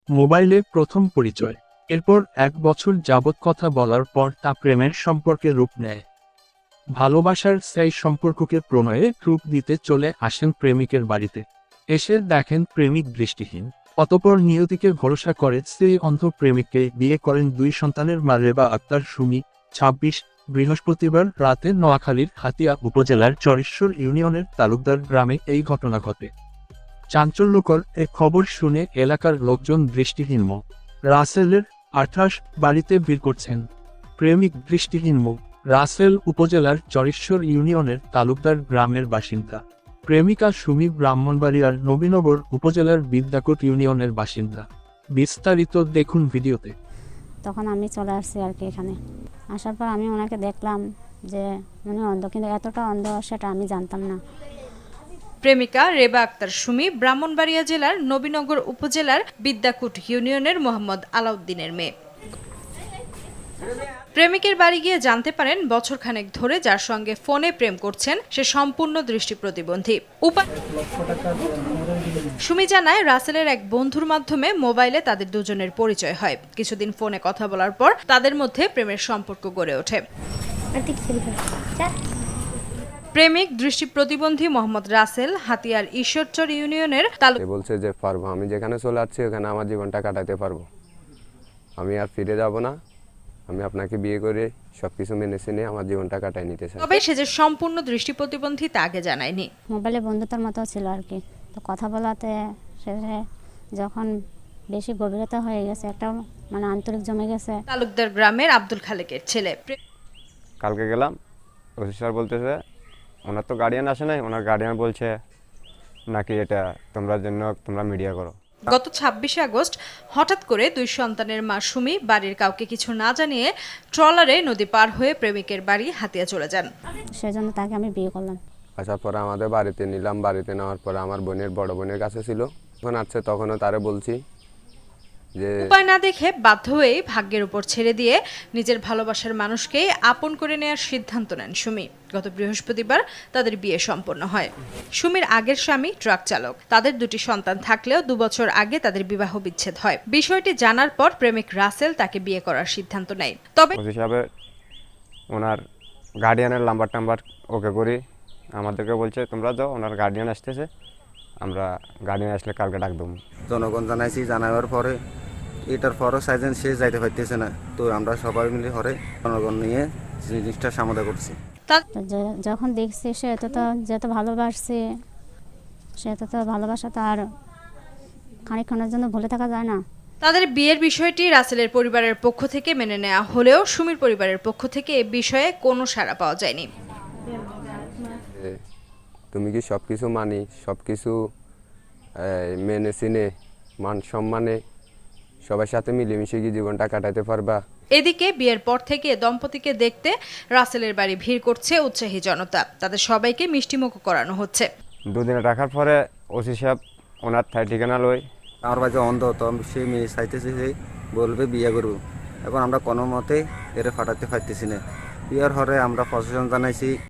মোবাইলে প্রথম পরিচয়, এরপর 1 বছর যাবৎ কথা বলার পর তা প্রেমের সম্পর্কে রূপ নেয়। ভালোবাসার সেই সম্পর্ককে প্রণয়ে রূপ দিতে চলে আসেন প্রেমিকের বাড়িতে। এসে দেখেন প্রেমিক দৃষ্টিহীন। অতঃপর নিয়তিকে ভরসা করে সেই অন্ধ প্রেমিককে বিয়ে করেন 2 সন্তানের মা রেবা আক্তার সুমি। 26 বৃহস্পতিবার রাতে নোয়াখালীর হাতিয়া উপজেলার চরেশ্বর ইউনিয়নের তালুকদার গ্রামে এই ঘটনা ঘটে। চাঞ্চল্যকর এ খবর শুনে এলাকার লোকজন দৃষ্টিহীন মো রাসেলের 28 বাড়িতে ভিড় করছেন। প্রেমিক দৃষ্টিহীন মো রাসেল উপজেলার চরেশ্বর ইউনিয়নের তালুকদার গ্রামের বাসিন্দা। প্রেমিকা সুমি ব্রাহ্মণবাড়িয়ার নবীনগর উপজেলার বিদ্যাকোট ইউনিয়নের বাসিন্দা। বিস্তারিত দেখুন ভিডিওতে। তখন আমি চলে আসছি আর কি এখানে। আসার পর আমি ওনাকে দেখলাম যে উনি অন্ধ, কিন্তু এতটা অন্ধ সেটা আমি জানতাম না। প্রেমিকা রেবা আক্তার সুমি ব্রাহ্মণবাড়িয়া জেলার নবীনগর উপজেলার বিদ্যাকুট ইউনিয়নের মোহাম্মদ আলাউদ্দিনের মেয়ে। প্রেমিকের বাড়ি গিয়ে জানতে পারেন বছরখানেক ধরে যার সঙ্গে ফোনে প্রেম করছেন সে সম্পূর্ণ দৃষ্টি প্রতিবন্ধী। সুমি জানায় রাসেলের এক বন্ধুর মাধ্যমে মোবাইলে তাদের দুজনের পরিচয় হয়। কিছুদিন ফোনে কথা বলার পর তাদের মধ্যে প্রেমের সম্পর্ক গড়ে ওঠে। প্রেমিক দৃষ্টি প্রতিবন্ধী মোহাম্মদ রাসেল হাতিয়ার ঈশ্বরচর ইউনিয়নের বলছে যে পারবো, আমি যেখানে চলে আসছি ওখানে আমার জীবনটা কাটাতে পারবো, আমি আর ফিরে যাব না, আমি আপনাকে বিয়ে করে সবকিছু মেনে চিনে আমার জীবনটা কাটাই নিতে চাই। তবে সে যে সম্পূর্ণ দৃষ্টি প্রতিবন্ধী তা আগে জানায়নি। মোবাইলে বন্ধুতার মতো ছিল আর কি। তো কথা বলাতে সে যখন বেশি গভীরতা হয়ে গেছে, একটা মানে আন্তরিক জমে গেছে। তালুকদার গ্রামের আব্দুল খালেকের ছেলে। কালকে গেলাম, ওসি স্যার বলতেছে ওনার তো গার্ডিয়ান আসে নাই, ওনার গার্ডিয়ান বলছে নাকি এটা তোমরা মিডিয়া করো। গত 26 আগস্ট হঠাৎ করে 2 সন্তানের মা সুমি বাড়ির কাউকে কিছু না জানিয়ে ট্রলারে নদী পার হয়ে প্রেমিকের বাড়ি হাতিয়া চলে যান। সেজন্য তাকে আমি বিয়ে করলাম। আসার পরে আমাদের বাড়িতে নিলাম, বাড়িতে নেওয়ার পরে আমার বড় বোনের কাছে ছিল, যখন আসছে তখনও তারে বলছি যে উপায় না দেখে বাধ্য হয়েই ভাগ্যের উপর ছেড়ে দিয়ে নিজের ভালোবাসার মানুষকে আপন করে নেওয়ার সিদ্ধান্ত নেন সুমি। গত বৃহস্পতিবার তাদের বিয়ে সম্পন্ন হয়। সুমির আগের স্বামী ট্রাক চালক। তাদের 2টি সন্তান থাকলেও 2 বছর আগে তাদের বিবাহ বিচ্ছেদ হয়। বিষয়টি জানার পর প্রেমিক রাসেল তাকে বিয়ে করার সিদ্ধান্ত নেয়। তবে ওসি সাহেব ওনার গার্ডিয়ানের নাম্বার ওকে করি আমাদেরকে বলছে তোমরা যাও, ওনার গার্ডিয়ান আসতেছে, আমরা গার্ডিয়ান আসলে কালকে ডাক দেবো। জনগণ জানাইছি, জানাবার পরে এটার পরও সাইজেন সে যাইতে পারতেছে না, তো আমরা সবাই মিলে হরে জনগণ নিয়ে জিনিসটা সমাধান করছি। যখন দেখছি সে যত ভালোবাসছে, সে তো ভালোবাসা তো আর খানিকক্ষণের জন্য ভুলে থাকা যায় না। তাদের বিয়ের বিষয়টি রাসেলের পরিবারের পক্ষ থেকে মেনে নেওয়া হলেও সুমির পরিবারের পক্ষ থেকে এ বিষয়ে কোনো সাড়া পাওয়া যায়নি। তুমি কি সবকিছু মানি, সবকিছু মেনে চিনে মান সম্মানে সবার সাথে মিলেমিশে কি জীবনটা কাটাতে পারবা? এদিকে বিয়ের পর থেকে দম্পতিকে দেখতে রাসেলের বাড়ি ভিড় করছে উৎসাহী জনতা। তাদের সবাইকে মিষ্টিমুখ করানো হচ্ছে। 2 দিন রাখার পরে ওসি সাহেব ওনার ঠিকানা লই, আমার বাড়িতে অন্ধ, তো সে মেয়ে চাইতেছে যে বলবে বিয়ে করবো। এখন আমরা কোনো মতে এর ফাটাতে পারতেছি না। বিয়ের হরে আমরা প্রশাসন জানাইছি।